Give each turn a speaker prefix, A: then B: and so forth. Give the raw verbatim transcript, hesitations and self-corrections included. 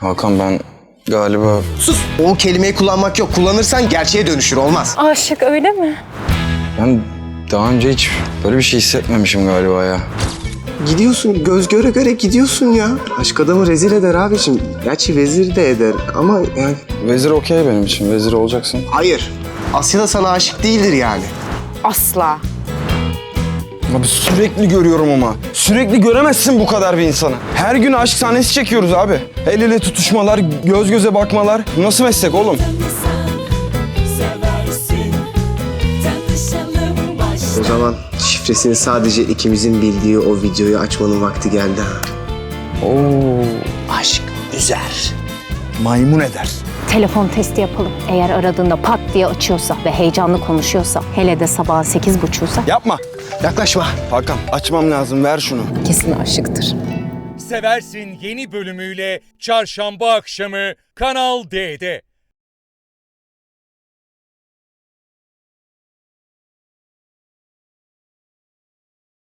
A: Hakan ben galiba...
B: Sus! O kelimeyi kullanmak yok. Kullanırsan gerçeğe dönüşür, olmaz.
C: Aşık öyle mi?
A: Ben daha önce hiç böyle bir şey hissetmemişim galiba ya.
B: Gidiyorsun, göz göre göre gidiyorsun ya. Aşk adamı rezil eder abiciğim. Gerçi vezir de eder ama yani...
A: Vezir okey benim için. Vezir olacaksın.
B: Hayır. Asya da sana aşık değildir yani.
C: Asla.
A: Abi sürekli görüyorum ama. Sürekli göremezsin bu kadar bir insanı. Her gün aşk sahnesi çekiyoruz abi. El ele tutuşmalar, göz göze bakmalar. Bu nasıl meslek oğlum?
B: O zaman şifresini sadece ikimizin bildiği o videoyu açmanın vakti geldi ha.
A: Oo.
B: Aşk üzer.
A: Maymun eder.
C: Telefon testi yapalım. Eğer aradığında pat diye açıyorsa ve heyecanlı konuşuyorsa, hele de sabahın sekiz buçuğuysa
A: Yapma.
B: Yaklaşma.
A: Hakan açmam lazım. Ver şunu.
C: kesin aşıktır.
D: Seversin yeni bölümüyle çarşamba akşamı Kanal D'de.